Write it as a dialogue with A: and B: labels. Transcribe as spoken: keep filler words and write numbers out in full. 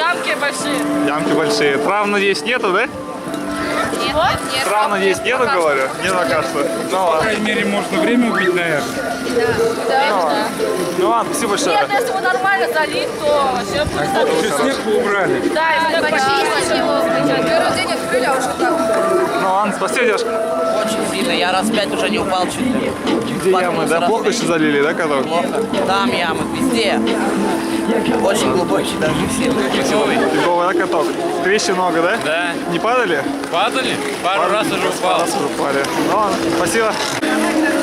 A: ямки большие.
B: Ямки большие. Трав, надеюсь, нету, да?
A: Нет, нет.
B: Трав, надеюсь, нету, говорю? Не окажется. Ну
C: По
B: ладно.
C: крайней мере, можно время убить, наверное.
A: Да.
B: Ну ладно, спасибо большое.
A: Нет, если его нормально залить, то все будет
C: Еще снег убрали.
A: Да, и снег почистить его. Первый день открыли, а уже так.
B: Ну ладно, спасибо, девушка.
D: Очень сильно, я раз пять уже не упал чуть ли.
B: Где ямы, да? Плохо еще залили, да, каток?
D: Плохо. Там ямы, везде. Очень глубокий даже сильно.
B: Фиговый, да, каток? Трещин много, да?
E: Да.
B: Не падали?
E: Падали? Пару раз уже упал.
B: Раз уже упали. Ну ладно, спасибо.